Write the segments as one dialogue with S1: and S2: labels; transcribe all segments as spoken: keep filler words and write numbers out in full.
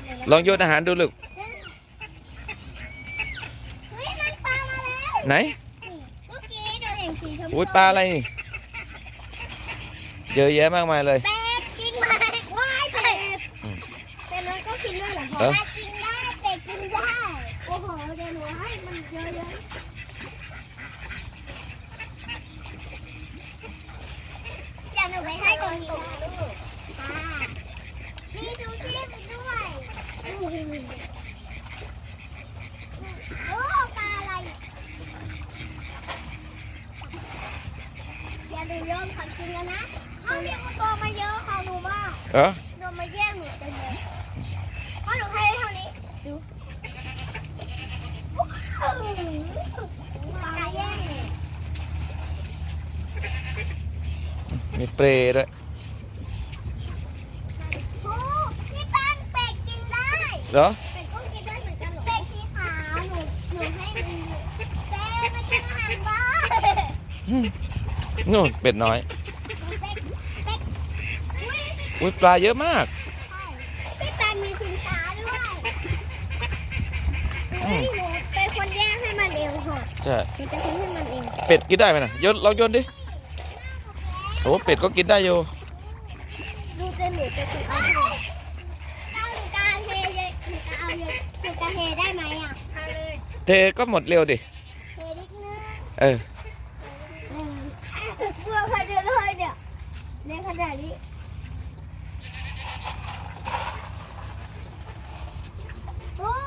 S1: ลองโยนอาหารดูลูกไหนอุ้ยปลาอะไรนี่เยอะแยะมากมายเลย
S2: เป็ดกินไหมว้ายเป็ดเป็ดมันก็กินด้วยเหรอพ่อกินได้เป็ดกินได้โอ้โหเดี๋ยวหนูให้มันเยอะๆอย่าหนูไปให้คนกินลูกมีซูชิด้วยโอ้ปลาอะไรอย่าดูโยนของกินกันนะเขาเรียกว่าตัวมาเยอะเขาหนูมาก
S1: เออ
S2: โดนมาแย่งหนูเต็มเลยเพราะหนูให้เท่านี้ดูปลาแย่งเลย
S1: มีเปรย์ด้วย
S2: โอ้นี่แป้งเป็ดกินได้
S1: เหรอ
S2: เป็ดก็กินได้เหมือนกันเหรอเป็ดสีขาวหนูหนูให้ดูเป็ดมากินอาหารบ้าน
S1: นู่นเป็ดน้อยอุ้ยปลาเยอะมาก
S2: พี่ปลามีสินค้าด้วยเฮ้ยหนูเป็นคนแยกให้มันเองค่ะ
S1: ใช่
S2: หนูจะทิ้งให้มันเอง
S1: เป็ดกินได้ไหมนะโยนลองโยนดิโอ้เป็ดก็กินได้อยู่
S2: ดูจะหนูจะติดเอาหนูเอาหนูกาเทเยอะหนูกาเอาเยอะหนูกาเทได้ไหมอ่ะ
S1: เทก็หมดเร็วดิ
S2: เทนิดนึง
S1: เออ
S2: เพื่อขนาดเลยเนี่ยในขนาดนี้โอ้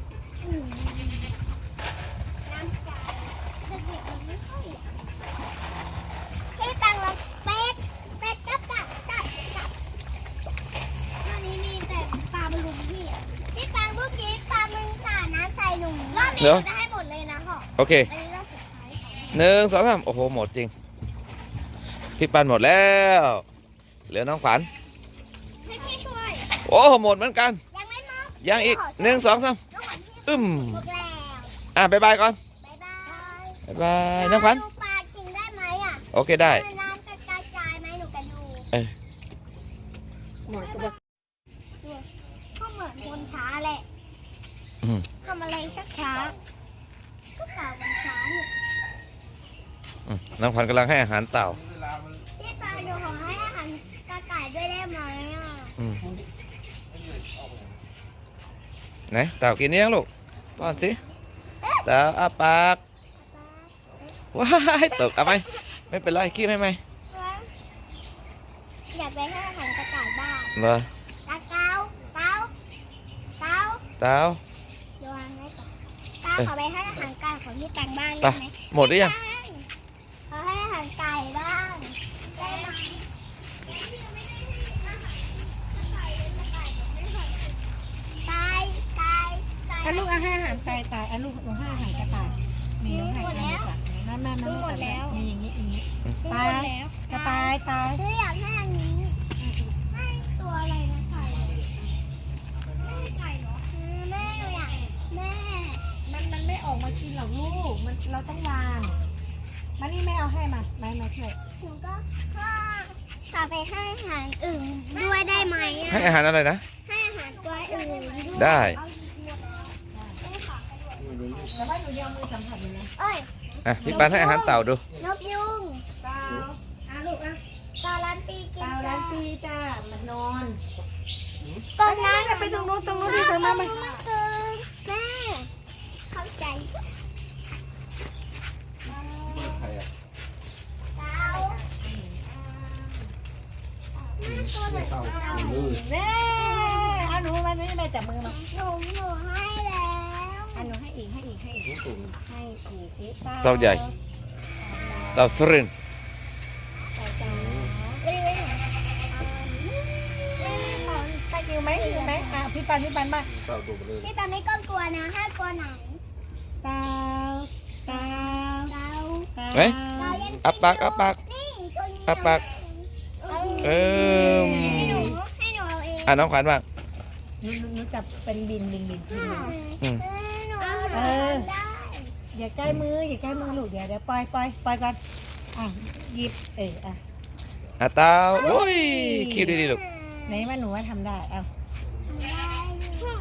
S2: น้ำใจจะเด็กมันไม่ค่อยที่ตังเราเป็ดเป็ดกับกับกับกับตอนนี้มีแต่ปลาบอลลูนพี่ที่ตังเมื่อกี้ปลามึงสาดน้ำใส่หนูรอบนี้เราจะให้หมดเลยนะพ่อ
S1: โอเคหนึ่งสองสามโอ้โหหมดจริงพี่ปันหมดแล้วเหลือน้องขวัญ
S2: ให้พี่ช่วย
S1: โอ้หมดเหมือนกัน
S2: ยังไม่หมด
S1: ยังอีกหนึ่งสองสามอึม
S2: หมดแล้ว
S1: อ่ะบายบายก่อน
S2: บายบาย
S1: บายบายน้องขวัญ
S2: ดูปลากินได้ไหมอ่ะ
S1: โอเคได้
S2: น้ำกระจายไหมหนูกันดู
S1: เออ
S2: หมดก็ก็เหมือนคนช้าแหละทำอะไรชักช้าก็เปล่ามันช้าเนี่ย
S1: น้องขวัญกำลังให้อาหารเต่า
S2: พี่ปลาหนูขอให้อาหารกระต่ายด้วยได้ไหมอ่ะ
S1: ไหนเต่ากินยังลูกป้อนสิเต่าอ้าปากว้ายตกเอาไหมไม่เป็นไรขี้ไหมไหม
S2: อยากไปให้อาหารกระต่ายบ้าง
S1: เหรอ
S2: ตาเต้าเต้าเต้า
S1: เต่า
S2: โยนไว้ก่อนเต้าขอไปให้อาหารไก่ของพี่แตงบ้าง
S1: ได้
S2: ไหม
S1: หมดหรือยัง
S2: ขอให้อาหารไก่บ้างได้ไหมตายตายตาย
S3: อันลูกอาหารตายตายอันลูกหนูให้อาหารกระต่ายมีน้องให้อาหารกระต่ายแม่แม่แม่หมดแล้วมีอย่างนี้อย่างนี้ตายกระต่ายตาย
S2: คืออยากให้อันนี้ให้ตัวอะไรนะไก่ไก่เหรอแม่หนูอยากแม่
S3: มันมันไม่ออกมากินหรอกลูกมันเราต้องวางมานี่แม่เอาให้มาแม่มาช่วย
S2: หนูก็พ่อขอไปให้อาหารอื่นด้วยได้ไหม
S1: ให้อาหารอะไรนะ
S2: ให้อาหารตัวอื่นด้วย
S1: ได้
S3: แต่ว่าหนูยังมือสัมผัสอยู่นะ
S2: เอ้ย
S1: อ่ะพี่ปันให้อาหารเต่าดู
S2: นกยุง
S3: เต่าอ่ะลูกอ่ะ
S2: เต่าล้านปีกิน
S3: เต่าล้านปีจ้ามันนอน
S2: ตอนนั้น
S3: ไปตรงนู้นตรงนู้นดิเธอมามัน
S2: คือแม่เข้าใจเต่า
S3: แม่เอาหนูมานี่แม่จับมือมา
S2: หนูหนูให้แล้ว
S3: อันหนูให้อีกให้อีกให้อีกให้อีก
S1: เต่าใหญ่เต่าสริน
S3: ตะกิ้วไหมกิ้วไหมอ่ะพี่ปันพี่ปันมา
S2: พี่ปันไม่ก้มกลัวนะถ้ากลัวไหน
S3: เต่าเต่า
S2: เต่า
S1: เฮ้ยอับปากอับปากอับปากเออ
S2: ให้หนูให้หนูเอาเอง
S1: อ่ะน้องขวัญบ้าง
S3: หนูหนูจับเป็นบินบินบินบิน
S2: เออ
S3: อย่าใกล้มืออย่าใกล้มือลูกเดี๋ยวเดี๋ยวปล่อยปล่อยปล่อยก่อนอ่ะหยิบเอออ่ะ
S1: อ่ะเต่าโอ้ยคิวดีๆลูก
S3: ไหนมาหนูว่าทำได้เอา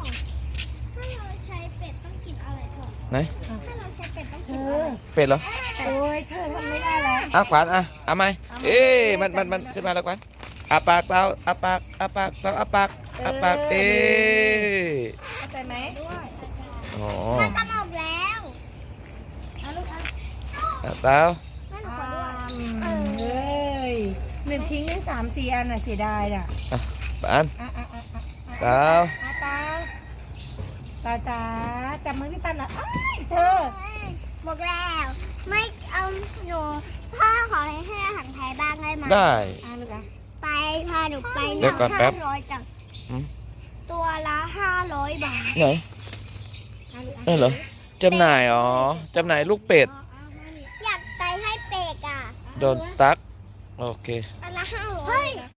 S1: ไหน
S2: ถ้าเราใช้เป็ดต้อง
S3: เธ
S2: เก็บ
S3: อ
S1: เป็ดเหรอ
S3: โอ้ยเธอทำไม่ได้แล้ว
S1: อ่ะขวานอ่ะเอาไหมเอ๊ะมันมันมันขึ้นมาแล้วขวานอาปากเปล่าอาปากอาปากเปล่าอาปากอาปากเอ๊ะ
S3: เข้าใจไหม
S1: อ๋อ
S2: มันกำลังแล้ว
S3: เอาลูกเอา
S1: อ่ะเปล่า
S2: แม่หนู
S3: อ่า
S2: ขอด้วย
S3: เอ้ยหนึ่งทิ้งได้สามสี่อันน่ะเสียดายอ่ะ
S1: ปาน
S3: อ่ะอ่ะอ่ะอ่ะ
S1: เปล่า
S3: อ่ะตาตาจ๋าจับมือพี่ปันละอ้ายเธอ
S2: บอกแล้ว ไม่เอาหนูพ่อขอให้ให้อาหารไทยบ้างได้ไหม
S1: ได้
S3: อ่ะลูกอ่ะ
S2: ไปพาหนูไป
S1: เดี๋ยวก่อนแป๊บ
S2: ห้าร้อยจัง
S1: อืม
S2: ตัวละห้าร้อยบาท
S1: ไหน
S3: อ่ะลูกอ่ะ
S1: เออเหรอจำหน่ายอ๋อจำหน่ายลูกเป็ด
S2: อยากไปให้เป็ดอ่ะ
S1: โดนตักโอเค
S2: อันละห้าร้อย